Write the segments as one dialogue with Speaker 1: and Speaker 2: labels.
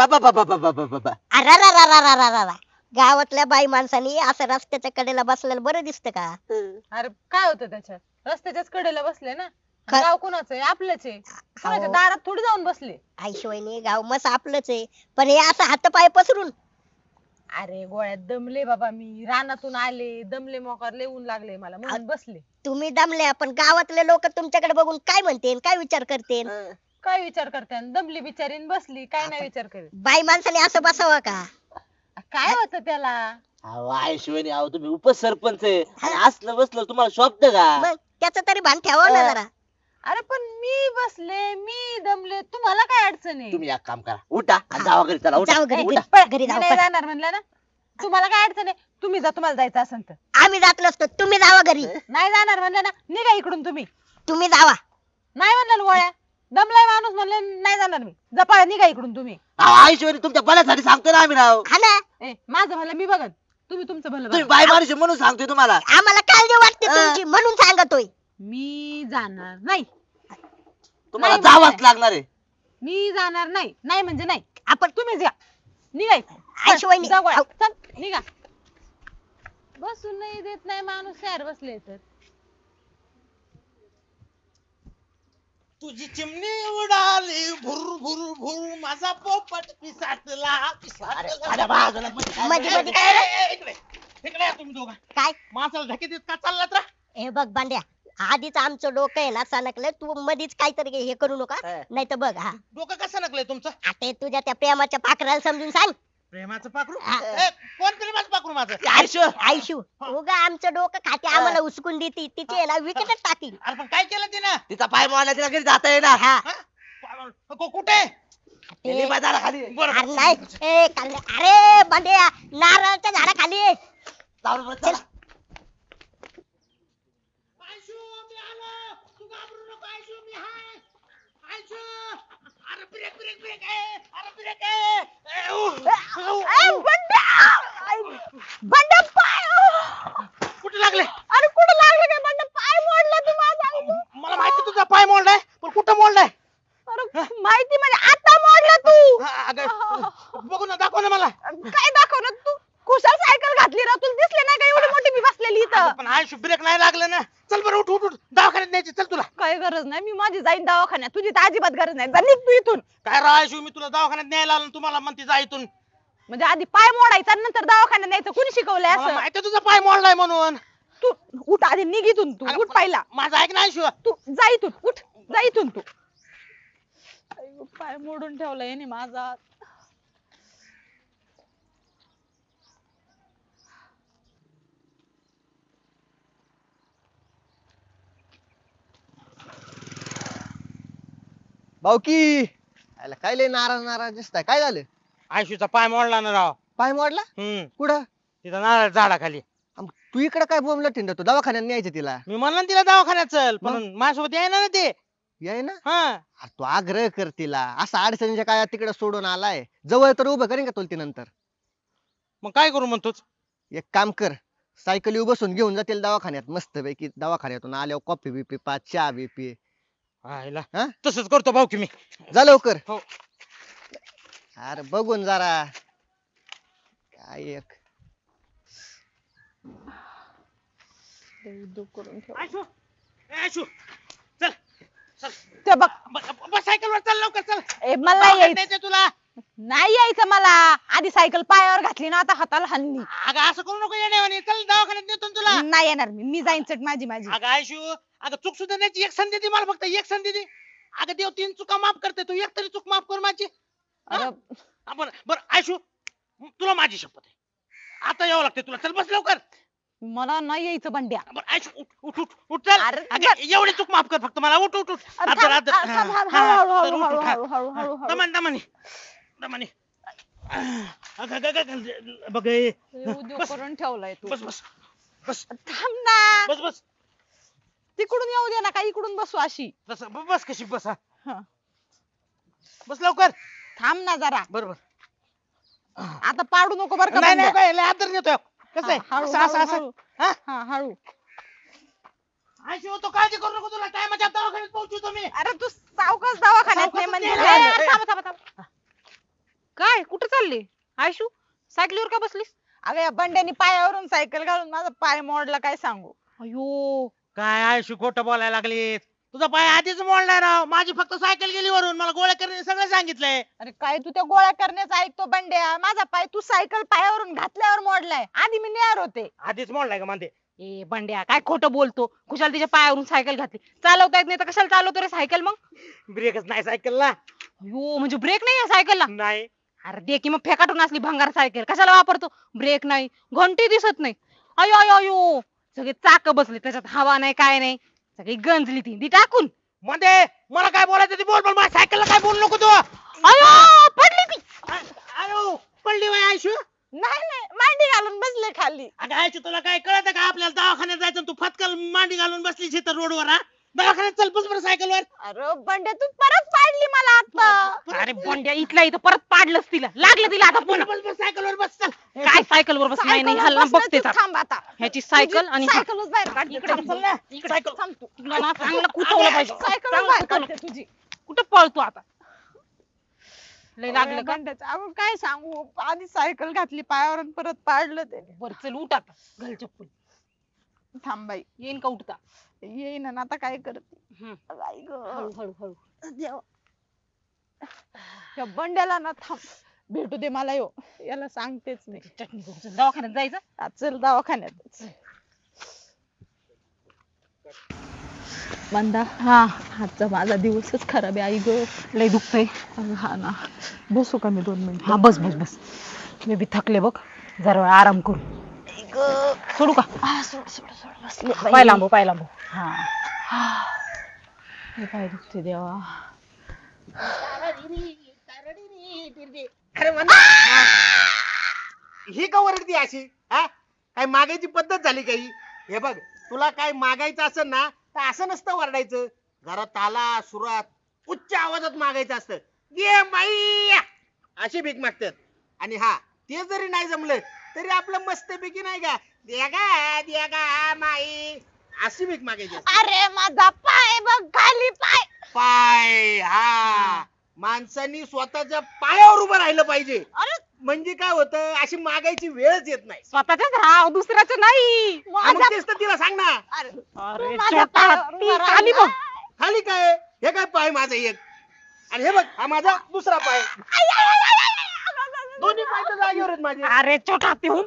Speaker 1: बाबा बाबा बाबा बाबा
Speaker 2: अरारारारारारारा. गावातल्या बाई माणसांनी असं रस्त्याच्या कडेला बसलेलं बरं दिसतं का?
Speaker 3: अरे काय होतं त्याच्यात रस्त्याच्याच कडेला बसले ना
Speaker 2: काय?
Speaker 3: गाव कुणाचं आहे आपलंच आहे कुणाच्या दारात थोडी जाऊन बसले
Speaker 2: आईशिवायनी गाव मस्त आपलंच आहे, पण हे असं हातपाय पसरून.
Speaker 3: अरे गोळ्यात दमले बाबा मी रानातून आले दमले मोकार ऊन लागले मला म्हणून बसले
Speaker 2: तुम्ही दमल्या, पण गावातले लोक तुमच्याकडे बघून काय म्हणतील, काय विचार करतील?
Speaker 3: काय विचार करते दमली बिचारीन बसली काय नाही विचार करीत
Speaker 2: बाई माणसाने असं बसावं का?
Speaker 3: काय होतं त्याला
Speaker 1: अहो आयुष्यवाणी अहो तुम्ही उपसरपंच आहे आणि असलं बसलं तुम्हाला शोभत का?
Speaker 2: मग त्याचं तरी भान ठेवावं ना जरा.
Speaker 3: अरे पण मी बसले मी दमले तुम्हाला काय अडचण आहे
Speaker 1: तुम्ही एक काम करा, उठा आणि जावा घरी, चला उठा.
Speaker 2: जाऊ घरी,
Speaker 3: उठा.
Speaker 2: घरी
Speaker 3: मी
Speaker 2: जाऊ.
Speaker 3: नाही जाणार म्हणलं ना तुम्हाला काय अडचण आहे तुम्ही जा तुम्हाला जायचं असेल तर
Speaker 2: आम्ही जात नसतो, तुम्ही जावा घरी.
Speaker 3: नाही जाणार म्हणलं ना निघा इकडून तुम्ही
Speaker 2: तुम्ही जावा.
Speaker 3: नाही म्हणलं ना गोळ्या दमलाय माणूस म्हणले नाही जाणार मी जपाळा निघा इकडून तुम्ही
Speaker 1: अहो आयुष्यवाणी तुमच्या भल्यासाठी सांगतो ना आम्ही राव.
Speaker 2: हा ना,
Speaker 3: ए माझं भलं मी बघन तुम्ही तुमचं भलं
Speaker 1: तुम्ही
Speaker 3: बघा.
Speaker 1: बाय माणूस आहे म्हणून सांगतोय तुम्हाला.
Speaker 2: आम्हाला काळजी वाटते तुमची म्हणून सांगतोय.
Speaker 3: मी जाणार नाही
Speaker 1: तुम्हाला
Speaker 3: नाही,
Speaker 1: जावाच
Speaker 3: नाही.
Speaker 1: लागणार आहे.
Speaker 3: मी जाणार नाही नाही म्हणजे नाही आपण तुम्हीच या निघा इकडून.
Speaker 2: आईशिवायनी.
Speaker 3: जा गोळ्या. चल निघा बसून नाही देत नाही माणूस शहर बसले तर
Speaker 4: तुझी चिमणी उडाली भुर भुर भुर माझा पोपट पिसाटला
Speaker 1: अरे बाजूला मध्ये
Speaker 2: मध्ये मध्ये काय रे?
Speaker 4: इकडे या तुम्ही दोघं
Speaker 2: काय?
Speaker 4: माणसाला धके देत का चाललात रा
Speaker 2: हे बघ बांड्या, आधीच आमचं डोकं आहे ना सणकलंय, तू मधीच काहीतरी हे करू नका.
Speaker 1: हा.
Speaker 2: नाही तर बघ, हा
Speaker 4: डोकं कसं नकलंय तुमचं
Speaker 2: आता हे तुझ्या त्या प्रेमाच्या पाखराला समजून सांग.
Speaker 4: प्रेमाचं पाखरू
Speaker 2: हा.
Speaker 4: कोण प्रेमाचं पाखरू माझं
Speaker 1: आयुष्य
Speaker 2: आयशू उगा आमचं डोकं खाते, आम्हाला उचकून देते, तिची आहे ना विकेटच टाकील.
Speaker 4: अरे पण काय केलं तिनं
Speaker 1: तिचा पाय मोडला, तिला घरी जाता येणार.
Speaker 2: हा
Speaker 4: कुठे
Speaker 1: गेली बाजारा खाली.
Speaker 4: बरं
Speaker 2: अरे नाही, ए काल, अरे बांड्या नारळाच्या झाडाखाली आहे.
Speaker 1: जाऊन बस, चला.
Speaker 4: आयशू मी आलो तू घाबरू नको आयशू मी हाय आयशू अरे ब्रेक ब्रेक ब्रेक अरे ब्रेक
Speaker 3: बंड पाय
Speaker 4: कुठे लागले
Speaker 3: अरे कुठं लागलं काय बंड पाय मोडला तू माझा
Speaker 4: मला माहिती तुझा पाय मोडलाय पण कुठं मोडलाय
Speaker 3: अरे माहिती म्हणजे आता मोडला तू
Speaker 4: अगं बघू ना दाखव ना मला
Speaker 3: काय दाखवणार तू कुशाल सायकल घातली ना तुला दिसले नाही का एवढी मोठी मी बसलेली इथं
Speaker 4: पण आयशू ब्रेक नाही लागलं ना चल बरं उठ उठ उठ दवाखान्यात न्यायची चल तुला
Speaker 3: काय गरज नाही मी माझी जाईन दवाखान्यात तुझी तर अजिबात गरज नाही जा निघ तू इथून
Speaker 4: काय राव आयशू मी तुला दवाखान्यात न्यायला आलो आणि तुम्हाला म्हणते जा इथून
Speaker 3: म्हणजे आधी पाय मोडायचा नंतर दवाखान्यात न्यायचं कुणी शिकवलंय
Speaker 4: मला
Speaker 3: असं
Speaker 4: माहिती आहे तुझा पाय मोडलाय म्हणून
Speaker 3: तू उठ आधी निघ इथून तू
Speaker 4: अरे
Speaker 3: उठ
Speaker 4: पण
Speaker 3: पाहिला
Speaker 4: माझं ऐक ना आयशू
Speaker 3: तू जा इथून उठ जा इथून तू अय्यो, पाय मोडून ठेवलाय याने माझा
Speaker 5: भाऊकी आला काय लय नाराज नाराज दिसताय, काय झालं?
Speaker 4: आयशूचा पाय मोडला ना राव
Speaker 5: पाय मोडला? कुठं?
Speaker 4: तिथं नारळ झाडाखाली
Speaker 5: तू इकडे काय बोंबलं ठिंड, तू दवाखान्यात न्यायचं तिला.
Speaker 4: मी म्हणलं ना तिला दवाखान्यात चल पण
Speaker 5: मग?
Speaker 4: माझ्यासोबत यायना ना ते
Speaker 5: याय ना.
Speaker 4: हा
Speaker 5: अरे तू आग्रह कर तिला, असा अडचणीच्या काळात तिकडे सोडून आलाय, जवळ तर उभं करीन का तुला ती नंतर.
Speaker 4: मग काय करू म्हणतोच
Speaker 5: एक काम कर, सायकली बसून घेऊन जातील दवाखान्यात, मस्त पैकी दवाखान्यातून आल्यावर कॉफी बिपी पा, चहा बिपी.
Speaker 4: आयला
Speaker 5: हा?
Speaker 4: तसंच करतो भाऊ की मी
Speaker 5: जा लवकर.
Speaker 4: हो.
Speaker 5: अरे बघून जरा काय एक
Speaker 4: आयशू ए, आयशू चल चल
Speaker 3: ते बघ
Speaker 4: बस सायकल वर चल लवकर चल
Speaker 3: ए, मला
Speaker 4: दवाखान्यात
Speaker 3: यायचं
Speaker 4: न्यायचंय तुला
Speaker 3: नाही यायचं मला आधी सायकल पायावर घातली ना आता हाताला हल्ली
Speaker 4: अगं असं करू नको येण्यावानी चल दवाखान्यात नेतो ना तुला
Speaker 3: नाही येणार मी जाईन चट माझी
Speaker 4: अगं आयशू अगं चूक सुद्धा त्याची एक संधी दे मला फक्त एक संधी दे अगं देव 3 चुका माफ करते तू एक तरी चूक माफ कर माझी
Speaker 3: अरे
Speaker 4: बरं बरं आयशू तुला माझी शपथ आहे आता यावं लागते तुला चल बस लवकर
Speaker 3: मला नाही यायचं बंड्या
Speaker 4: बरं आयशू उठ उठ उठ उठ चल
Speaker 3: अरे,
Speaker 4: अगं, एवढी चूक माफ कर फक्त मला उठ उठ उठ
Speaker 3: अरे,
Speaker 4: आदर,
Speaker 3: थांब,
Speaker 4: आदर.
Speaker 3: थांब,
Speaker 4: हा,
Speaker 3: थांब,
Speaker 4: हा,
Speaker 3: हळू,
Speaker 4: हा,
Speaker 3: हळू,
Speaker 4: उठ, उठ, हा.
Speaker 3: हळू, हळू, हळू, हळू.
Speaker 4: दमाने दमाने दमाने अगं, अगं, अगं, बघ हे.
Speaker 3: उद्योग
Speaker 4: बस.
Speaker 3: करून ठेवलाय तू
Speaker 4: बस बस बस
Speaker 3: थांब ना
Speaker 4: बस बस
Speaker 3: तिकडून येऊ दे ना का इकडून बसू अशी
Speaker 4: बस बस कशी बस हा.
Speaker 3: हा.
Speaker 4: बस लवकर
Speaker 3: थांब ना जरा
Speaker 4: बरोबर
Speaker 3: आता पाडू नको बरं का
Speaker 4: नाही नाही
Speaker 3: बंड्या.
Speaker 4: काय लय आदर नेतोय कसं आहे
Speaker 3: हा, हळू,
Speaker 4: असं असं
Speaker 3: हळू,
Speaker 4: असं
Speaker 3: हळू.
Speaker 4: हा
Speaker 3: हा हळू
Speaker 4: आयशू तो काळजी करू नको तुला टायमाच्या दवाखान्यात पोहोचू तुम्ही
Speaker 3: अरे तू सावकाश दवाखान्यात
Speaker 4: सावकाश
Speaker 3: नाही म्हणजे
Speaker 4: नाही,
Speaker 3: ए, थांब थांब थांब
Speaker 6: काय कुठं चालली आयशू? सायकलीवर का बसलीस?
Speaker 3: अगं या बंड्यानी पायावरून सायकल घालून माझा पाय मोडला, काय सांगू.
Speaker 6: अयो
Speaker 4: काय आयुष्य खोटं बोलायला लागलीस? तुझा पाय आधीच मोडलाय राव. माझी फक्त सायकल गेली वरून. मला गोळ्या करणे सगळं सांगितलंय.
Speaker 3: अरे काय तू त्या गोळ्या करण्याचं ऐकतो बंड्या? माझा पाय तू सायकल पायावरून घातल्यावर मोडलाय, आधी मी नेर होते.
Speaker 4: आधीच मोडलाय का म्हणते?
Speaker 6: ए बंड्या काय खोटं बोलतो? कुशाल तिच्या पायावरून सायकल घातली. चालवता येत नाही तर कशाला चालवतो रे सायकल मग?
Speaker 4: ब्रेकच नाही सायकलला.
Speaker 6: अयो म्हणजे ब्रेक नाही या सायकलला?
Speaker 4: नाही.
Speaker 6: अरे दे की मग फेकाटून असली भंगार सायकल कशाला वापरतो? ब्रेक नाही, घंटी दिसत नाही. अयो अयो अयो सगळे चाक बसले त्याच्यात, हवा नाही काय नाही, सगळी गंजली ती टाकून.
Speaker 4: म्हणते मला काय बोलायचं ते बोल, पण माझ्या सायकलला काय बोलू नको तू.
Speaker 6: अयो पडली ती.
Speaker 4: अयो पडली बाई आयुष्य.
Speaker 3: नाही नाही, मांडी घालून बसले खाली.
Speaker 4: अगं आयुष्य तुला काय कळत का? आपल्याला दवाखान्यात जायचं आणि तू फटकल मांडी घालून बसलीस इथं रोडवर. हा दवाखान्यात चल बस बरं सायकलवर.
Speaker 3: अरे बंड्या तू परत पाडली मला आता.
Speaker 6: अरे बंड्या इथल्या इथं परत पाडलंच तिला, लागलं तिला आता पुन्हा.
Speaker 4: बस बस सायकलवर बस चल.
Speaker 6: काय सायकल वर बस? नाही नाही हल्ला बघते
Speaker 3: थांब आता.
Speaker 6: ह्याची सायकल आणि हा.
Speaker 3: सायकलच बाहेर काढ.
Speaker 6: इकडे
Speaker 3: थांब, चल ना.
Speaker 6: इकडे.
Speaker 3: सायकल थांब तू.
Speaker 6: तुला ना चांगलं कुठवलं पाहिजे.
Speaker 3: सायकलच
Speaker 6: चांगलं
Speaker 3: बाहेर
Speaker 6: कुठवलं.
Speaker 3: काढते तुझी.
Speaker 6: कुठं पळतो आता? लय लागलं का?
Speaker 3: बंड्याचं अगं काय सांगू, आधी सायकल घातली पायावर आणि परत पाडलं ते.
Speaker 6: बर चल उठ आता, घाल चप्पल.
Speaker 3: थांब बाई,
Speaker 6: येईन का उठता?
Speaker 3: येईन ना आता, काय करते.
Speaker 6: हम्म.
Speaker 3: आई गं.
Speaker 6: हळू हळू हळू.
Speaker 3: देवा. या बंड्याला ना थांब भेटू दे मला, यो याला सांगतेच नाही.
Speaker 6: चटणी करून चल, दवाखान्यात जायचं.
Speaker 3: आज चल दवाखान्यात. मंदा,
Speaker 6: हा
Speaker 3: आजचा माझा दिवसच खराब आहे. आई ग
Speaker 6: लय दुखतंय.
Speaker 3: हा ना, बसू का मी 2 मिनिट?
Speaker 6: हा बस बस बस, मी बी थकले बघ, जरा वेळ आराम करू. सोडू का?
Speaker 3: सोड सोड सोड, बसले बाई.
Speaker 6: पाय लांबू पाय लांबू.
Speaker 3: हे काय दुखते देवा.
Speaker 4: अरे म्हणा ही का वरडती अशी? हा काय मागायची पद्धत झाली काही? हे बघ, तुला काय मागायचं असेल ना तर असं नसतं वरडायचं. जरा ताला सुरात उच्च आवाजात मागायचं असतं. ये माई अशी भीक मागतात. आणि हा ते जरी नाही जमलं तरी आपलं मस्तपैकी नाही का द्या गा माई अशी भीक मागायची असते.
Speaker 3: अरे माझा पाय बघ, खाली पाय.
Speaker 4: पाय, हा माणसांनी स्वतःच्या पायावर उभं राहिलं पाहिजे.
Speaker 3: अरे
Speaker 4: म्हणजे काय होतं, अशी मागायची वेळच येत नाही.
Speaker 6: स्वतःच्याच राहा, दुसऱ्याचं नाही.
Speaker 4: हा, मग तेच तर तिला सांग ना.
Speaker 3: अरे
Speaker 6: अरे
Speaker 3: तू माझ्या
Speaker 6: छोटा
Speaker 3: पायावर
Speaker 6: हत्ती,
Speaker 3: उभा राहिला.
Speaker 6: खाली बघ.
Speaker 4: खाली काय हे काय पाय माझा एक, आणि हे बघ हा माझा दुसरा पाय. दोन्ही पाय तर जागेवर आहेत माझे.
Speaker 6: अरे छोटा हत्ती हो.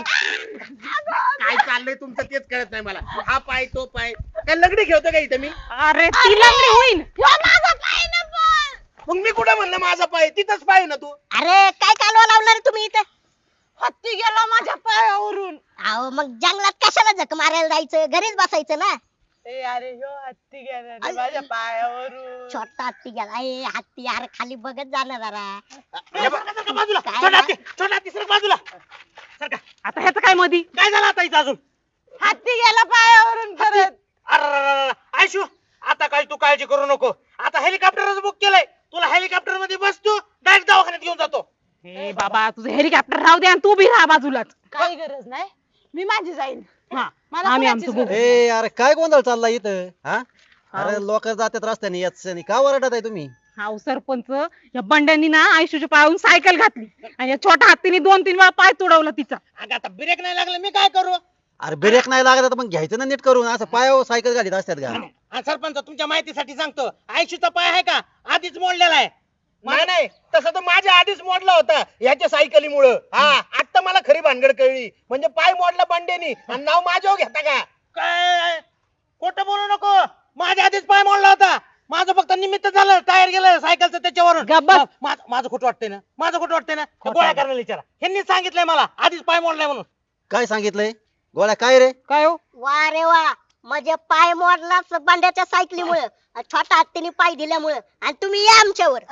Speaker 4: काय चाललंय तुमचं तेच कळत नाही मला. हा पाय तो पाय, काय लगडी खेळतो का इथं मी?
Speaker 6: अरे ती लंगडी होईन.
Speaker 3: माझा पाय ना पण.
Speaker 4: मग मी कुठं म्हणलं माझा पाय? तिथंच पाय ना तू.
Speaker 2: अरे काय कालवा लावणार तुम्ही इथं?
Speaker 3: हत्ती गेला माझ्या पायावरून.
Speaker 2: अहो मग जंगलात कशाला झक मारायला जायचं, घरीच बसायचं ना.
Speaker 3: ए अरे ह्यो हत्ती गेला रे माझ्या पायावरून.
Speaker 2: छोटा हत्ती गेला. ए हत्ती यार खाली बघत जाणार जरा.
Speaker 4: हे बघ, सरका बाजूला.
Speaker 2: काय
Speaker 4: छोटा
Speaker 2: ना?
Speaker 4: हत्ती, छोटा हत्ती, सरक बाजूला. सरका.
Speaker 6: आता ह्याचं काय मधी?
Speaker 4: काय झालं आता इथं अजून?
Speaker 3: हत्ती गेला पायावरून परत.
Speaker 4: अरे आयशू, आता काय तू काळजी करू नको. आता हेलिकॉप्टरच बुक केलंय. तुला हेलिकॉप्टर मध्ये बस, तू डायरेक्ट दवाखान्यात घेऊन जातो.
Speaker 6: हे बाबा तुझं हेलिकॉप्टर राहू दे आणि तू बी राहा बाजूलाच.
Speaker 3: काही गरज नाही, मी माझी जाईन.
Speaker 6: हा
Speaker 3: मला
Speaker 6: आम्ही
Speaker 3: कुणाचीच
Speaker 6: आमचं बघू.
Speaker 3: गरज
Speaker 5: ए अरे काय गोंधळ चालला इथं? हा अरे लोक जातात रस्त्याने याच का वरडत आहे तुम्ही?
Speaker 6: हाव सरपंच, या बंड्यांनी ना आयशूच्या पायावरून सायकल घातली आणि या छोट्या हत्तीने 2-3 वेळा पाय तुडवला तिचा.
Speaker 4: अगं आता ब्रेक नाही लागला, मी काय करू?
Speaker 5: अरे ब्रेक नाही लागत तर मग घ्यायचं ना नीट करून. असं पायावर सायकल घालीत असतात का?
Speaker 4: हा सरपंच, तुमच्या माहितीसाठी सांगतो, आयशूचा पाय आहे का आधीच मोडलेला आहे. नाही नाही, तसं तर माझ्या आधीच मोडला होता याच्या सायकलीमुळं. हा आता मला खरी भानगड कळली. म्हणजे पाय मोडला बंडेनी आणि नाव माझ्यावर घेता का? काय खोटं बोलू नको. माझ्या आधीच पाय मोडला होता. माझं फक्त निमित्त झालं, टायर गेलं सायकलचं त्याच्यावरून.
Speaker 6: गप्प बस.
Speaker 4: माझं खोटं वाटतंय ना, माझं खोटं वाटतंय ना. गोळ्या करायला विचारा, ह्यांनी सांगितलंय मला आधीच पाय मोडलाय म्हणून.
Speaker 5: काय सांगितलंय गोळ्या? काय रे?
Speaker 6: काय हो?
Speaker 2: वा रे वा, म्हणजे पाय मोडलाच बंड्याच्या सायकलीमुळे, छोटा हत्तीने पाय दिल्यामुळे, आणि तुम्ही या आमच्यावर.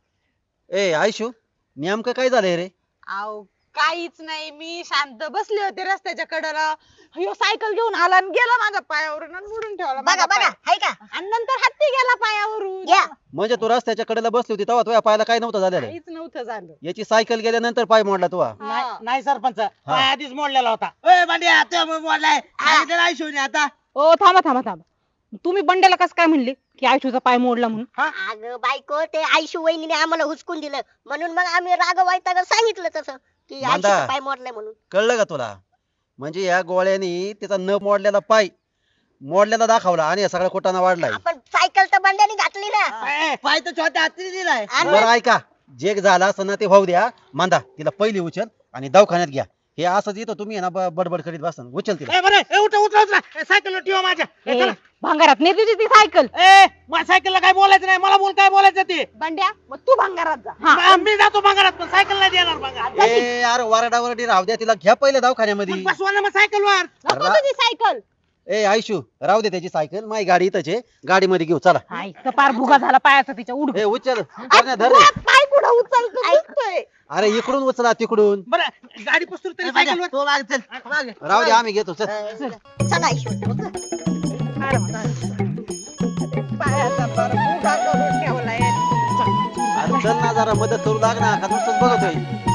Speaker 5: ए आयशू, नेमकं काय झालंय रे?
Speaker 3: अहो काहीच नाही, मी शांत बसले होते रस्त्याच्या कडेला. ह्यो सायकल घेऊन आला आणि गेला माझ्या पायावरून आणि मोडून ठेवला
Speaker 2: बघा
Speaker 3: माझा
Speaker 2: बघा,
Speaker 3: पाय.
Speaker 2: हाय का?
Speaker 3: आणि नंतर हत्ती गेला पायावरून.
Speaker 2: घ्या.
Speaker 5: म्हणजे तू रस्त्याच्या कडेला बसली होती तेव्हा तुझ्या पायाला काय नव्हतं झालेलं?
Speaker 3: काहीच नव्हतं झालं.
Speaker 5: याची सायकल गेल्यानंतर पाय मोडला तुझा?
Speaker 3: हा.
Speaker 4: नाही सरपंच, पाय आधीच मोडलेला होता. ओय भांड्या, आता मोडलाय. आणि त्याला आयशूने आता
Speaker 6: ओ थांबा थांबा थांबा, तुम्ही बंड्याला कसं काय म्हणले की आयुष्याचा पाय मोडला म्हणून?
Speaker 2: अगं बायको ते आयशू वहिनीने आम्हाला हुसकून दिलं म्हणून मग आम्ही राग वैताग सांगितलं तसं की
Speaker 7: मांदा.
Speaker 2: आयशूचा पाय मोडलाय म्हणून.
Speaker 7: कळलं का तुला? म्हणजे या गोळ्यानी त्याचा न मोडलेला पाय मोडलेला दाखवला आणि या सगळ्या कोटाना वाढलाय.
Speaker 2: आपण सायकल तर बंड्याने घातली ना.
Speaker 1: पाय तर छोट्या हातीने दिलाय.
Speaker 2: आणि
Speaker 7: बरं ऐका, जे झालं असं ना ते भाऊ द्या. मांदा तिला पहिली उचल आणि दवाखान्यात घ्या. हे असंच येतो तुम्ही आहे ना बडबड करीत बसा. उचल तिला.
Speaker 4: ए, बरं, ए, उठा उठा उठा सायकल ठेवा माझ्या. ए,
Speaker 6: ए,
Speaker 4: चला.
Speaker 6: भांगारात नाही तुझी ती सायकल.
Speaker 4: ए, माझ्या सायकलला काय बोलायचं नाही, मला बोल काय बोलायचं ते.
Speaker 3: बंड्या मग तू भंगारात जा.
Speaker 6: हा.
Speaker 4: मी जातो भंगारात, पण सायकल नाही देणार भंगार.
Speaker 7: ए यार वरडावरडी राहू द्या, तिला घ्या पहिले दवाखान्यामध्ये.
Speaker 4: बसवा ना मग सायकलवर.
Speaker 3: नको तुझी सायकल.
Speaker 7: ए आयशू राहू दे त्याची सायकल, माझी गाडी इथंच आहे, गाडीमध्ये घेऊ चला.
Speaker 6: हाय तर पार भुगा झाला पायाचा तिच्या उड.
Speaker 7: ए उचल करण्या धर रे.
Speaker 3: पाय कुठं उचलतो दिसतोय.
Speaker 7: अरे इकडून उचला तिकडून.
Speaker 4: बरं गाडी पसरू तरी सायकलवर.
Speaker 1: तो माग चल माग.
Speaker 7: राहू दे आम्ही घेतो चल.
Speaker 2: चला आयशू.
Speaker 3: पायाचा पार भुगा करून ठेवलाय.
Speaker 7: अरे चल ना जरा मदत करू लाग ना, का नुसतंच बघतोय.